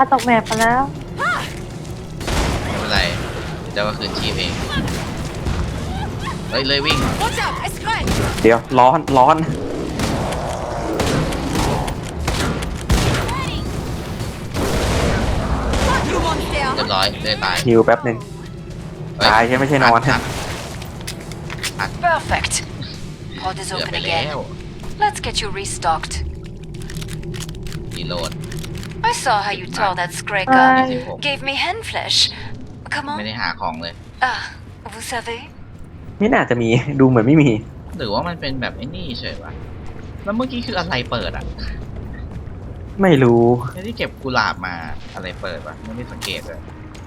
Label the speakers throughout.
Speaker 1: าตกแมปไปแล้ว
Speaker 2: ไม่เป็นไรเดี๋ยวก็คืนชีพเองเฮ้ยเลยวิ่ง
Speaker 3: เดี๋ยวร้อน
Speaker 2: เรียบร้อยเลยตาย
Speaker 3: ฮิวแป๊บหนึ่ง
Speaker 2: เฮ้
Speaker 3: ตายใช่ไม่ใช่นอน
Speaker 4: Perfect. Pod is
Speaker 2: เกือบ
Speaker 4: open
Speaker 2: ไปแล้ว
Speaker 4: again. Let's get you restocked.
Speaker 2: รีโหลด
Speaker 4: I saw how you tore that
Speaker 1: Bye.
Speaker 4: Skreka. Gave me hand flesh. Come
Speaker 2: ไม่
Speaker 4: on.
Speaker 2: ได้หาของเลย
Speaker 4: Ah, vous savez?
Speaker 3: ไม่น่าจะมีดูเหมือนไม่มี
Speaker 2: หรือว่ามันเป็นแบบไอ้นี่เฉยวะแล้วเมื่อกี้คืออะไรเปิดอ่ะ
Speaker 3: ไม่รู้
Speaker 2: ไม่ได้เก็บกุหลาบมาอะไรเปิดวะไม่ได้สังเกตเลย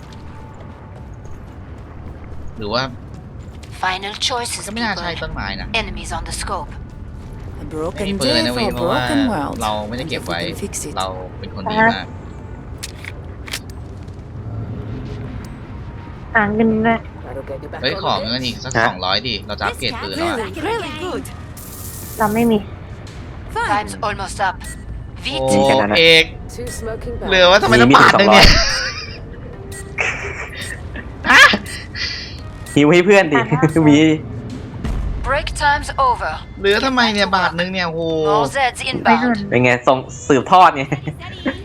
Speaker 2: หรือว่า
Speaker 4: Final choices,
Speaker 2: ก็ไม่น่าใช่
Speaker 4: people.
Speaker 2: ต้นไม้นะ
Speaker 4: Enemies on the scope.
Speaker 5: A
Speaker 2: ไม่
Speaker 5: broken
Speaker 2: เปิด
Speaker 5: day
Speaker 2: นะ
Speaker 5: for
Speaker 2: เว้ย
Speaker 5: a
Speaker 2: เพราะว่า
Speaker 5: broken world.
Speaker 2: เราไม่ได้เก็บ
Speaker 5: And
Speaker 2: ไว้
Speaker 5: if we can fix it.
Speaker 2: เราเป็นคนดีมาก
Speaker 1: หาเงินด้วย
Speaker 2: เฮ้ยของเงินอีกสัก
Speaker 3: ฮะ
Speaker 2: 200ดิเราจะอัปเกรดปืนแล้วอะ
Speaker 5: Really good.
Speaker 1: เราไม่มี
Speaker 4: Time's almost up.
Speaker 2: โอ้
Speaker 4: Vite.
Speaker 3: กันนะ
Speaker 2: เอก
Speaker 5: Two smoking
Speaker 2: เหลือว่าทำไมต้อง
Speaker 3: มี
Speaker 2: บาทหนึ่งเนี่ย
Speaker 3: ฮิวให้เพื่อนดิ มี
Speaker 4: Break time's over.
Speaker 2: เหลือทำไมเนี่ยบาทหนึ่งเนี่ยโอ้โห
Speaker 4: More Zeds
Speaker 1: ไม่ทัน
Speaker 4: inbound.
Speaker 3: เป็นไงส่งสืบทอดไง